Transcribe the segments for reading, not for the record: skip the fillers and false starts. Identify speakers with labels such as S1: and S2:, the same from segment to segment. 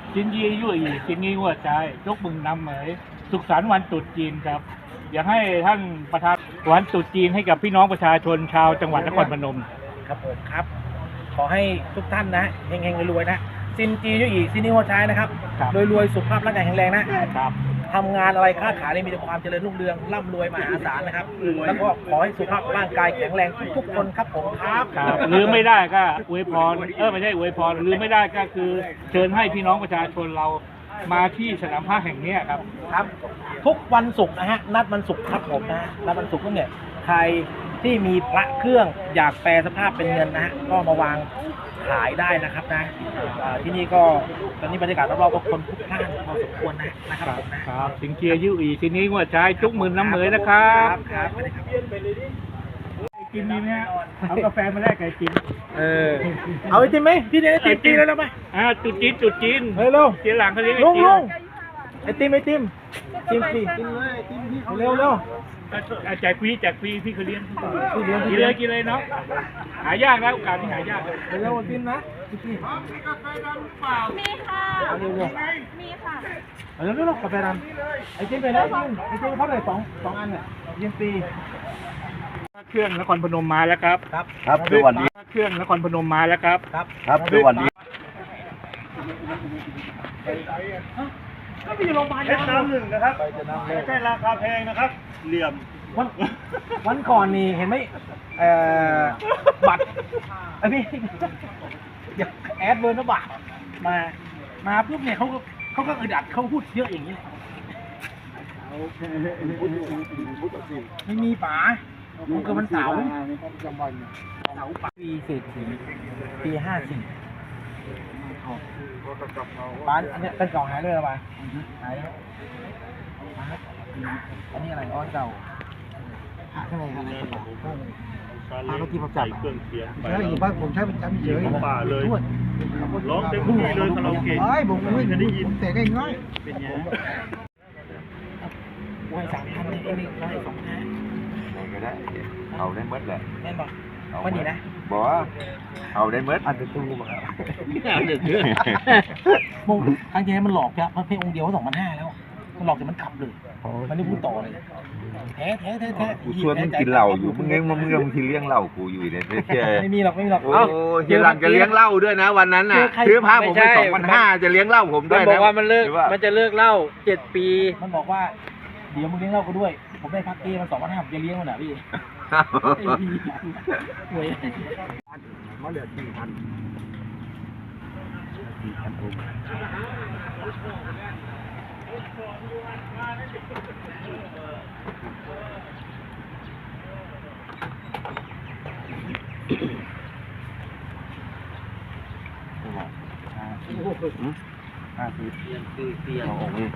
S1: จินยี่ยุ่ยจินงี้หัวใจยกมึงนำเหมยสุขสันต์วันตรุษจีนครับอยากให้ท่านประธานวันตรุษจีนให้กับพี่น้องประชาชนชาวจังหวัดนครพนม
S2: ครับผมครับขอให้ทุกท่านนะเฮงๆรวยๆนะซินจียุ่ยซินนี่หัวใจนะครับรวยๆสุขภาพร่างกายแข็งแรงนะครับทำงานอะไรค้าขายมีแต่ความเจริญรุ่งเรืองร่ำรวยมหาศาลนะครับแล้วก็ขอให้สุขภาพร่างกายแข็งแรงทุกๆคนครับผมครับ
S1: ลืมไม่ได้ก็อวยพรไม่ใช่อวยพรลืมไม่ได้ก็คือเชิญให้พี่น้องประชาชนเรามาที่สนามผ้าแห่งนี้ครับ
S2: ทุกวันศุกร์นะฮะนัดวันศุกร์ครับผมนะนัดวันศุกร์ก็เนี่ยใครที่มีพระเครื่องอยากแปลสภาพเป็นเงินนะฮะก็มาวางขายได้นะครับนะที่นี่ก็ตอนนี้บรรยากาศรอบๆก็คนพลุกพล่านพอสมควรนะครับผม
S1: นะครับสิงเกียร์ยุ่ยทีนี้ว่าใช้จุกหมื่นน้ำเหมยนะครับ
S2: ครับ
S1: กินดีไหมฮะเอากาแฟมาแลกไก่กิน
S2: เอาไอติมไหมพี่เนี่ยไอติมปีแล้วไหม
S1: จุดจีน
S2: เร็ว
S1: เสียหลังเขาเรียก
S2: ลุงไอติมกินเลยไอติมพี่เร็ว
S1: แจกฟรีพี่เขาเลี้ยงกินเลยเนาะหายากแล้วโอกาสที่หายาก
S2: เร็วกินนะ
S3: มีค่ะมีค่ะ
S2: เร็วกาแฟดำไอติมไปแล้วไอติมเขาเลยสองอันเนี่ยเย็นปี
S1: เครื่องนครพนมมาแล้วครับ
S4: ครับสวัสดี
S1: เครื่องนครพนมมาแล้วครับ
S4: ครับสวัสดี
S2: ก็มีโรงพยาบาล
S4: น้ำหนึ่งนะครับไม่ใช่ราคาแพงนะครับเหลี่ยม
S2: วันก่อนนี่เห็นไหมบัตรไอพี่อยากแอดเบอร์นะบัตรมาปุ๊บเนี่ยเขาก็อึดอัดเขาพูดเยอะอย่างนี้ไม่มีป๋าผมเกิดวันเสาร์ปีปี54บ้านอันนี้เป็นกล่องหายเลยหรือเปล่าหายแล้วอันนี้อะไรอ้อนเก่าข้างในครับพาไปที่ประจักษ์เครื่องเสียงใช่บ้านผมใช้ประจำเฉย
S4: ป่าเลยร้องเต็มที่เลยคาราโอเกะ
S2: ผมไม่ได้ยินผมแต่ได้ง่ายเป็นไงวัน3,000นี่ก็มี102
S4: ก็ได้เอาได้เมื่อแหละ
S2: แน่นบอกวันนี้นะ
S4: บอกว่าเอาได้เมื่อ
S2: อาจจะตู้บอกมงครั้งที่แล้วมันหลอกจ้ะเพราะเพลงองค์เดียวก็2,500แล้วมันหลอกจนมันกลับเลยมันไม่พูดต่อเลยแท้
S4: กูชวนมึงกินเหล้าอยู่มึงทีเลี้ยงเหล้ากูอยู่เนี่ย
S2: ไม่มีหรอก
S4: โอ้ทีหลังจะเลี้ยงเหล้าด้วยนะวันนั้นน่ะซื้อผ้าผมไป2,500จะเลี้ยงเหล้าผมด้วยนะ
S2: บอกว่ามันจะเลิกเหล้า7 ปีมันบอกว่าเดี๋ยวมึงเลี้ยงเหล้ากูด้วยผมได้พักเกมัน2,500ผมจะเลี้ยงมันน่ะพี่หวยมาเหลือ4,00050เอาออกเลย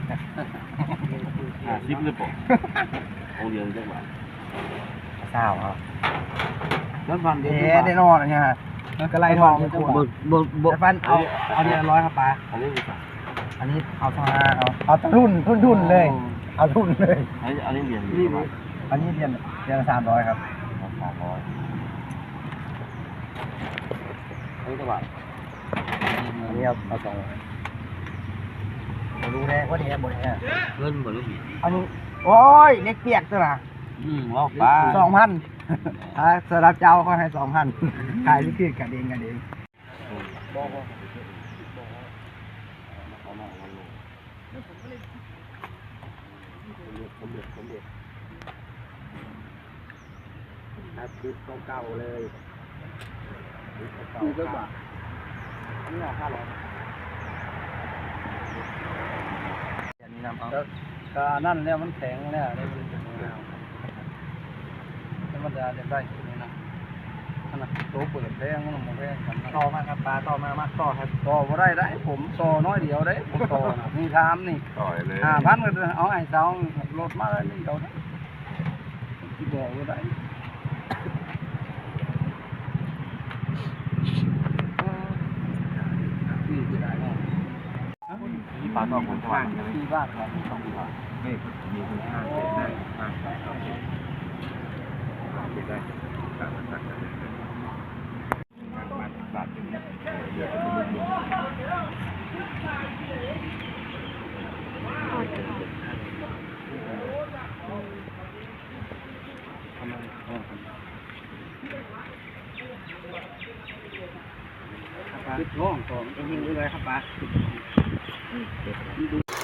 S2: 50เลยป่ะเอาเดียวจังหวะเศร้าครับแล้วฟันได้นอนอะไรเงี้ยมันก็ไล่ทองมันจะบอกฟันเอาเดียว100ครับป้าอันนี้เอาเอาทุนเลยเอาทุนเลยอันนี้เรียนอันนี้เรียน300ครับ300นี่เท่าไหร่อันนี้เอา2รู้แน่ว่าเนี่ยหมดเนี่ยเงินหมดแล้วพี่อันนี้โอ้ยเล็กเปียกตัวละว่าป้า2,000สำหรับเจ้าก็ให้ 2,000 ขายที่เปียกกันเองชุดเก่าเลยชุดเก่าอันนี้500ก็นั่นแล้วมันแข็งแล้วมันจะได้นะขนาดโตเปิดแพงมันมองแพงกันต่อมาครับปลาต่อมาต่อครับต่อมาได้ผมต่อน้อยเดียวได้ผมต่อนี่ทำนี่
S4: ต่อยเลย
S2: 5,000ก็เอาไอ้สองรถมาเลยนี่เดียวนะที่บอกว่าได้ที่ปลาต่อผมว่างที่บ้านครับ2 บาทนี่มีคุณค่าเกิดได้มากเกิดได้บาทถึงปลาติดท้องของจริงๆเลยครับปลา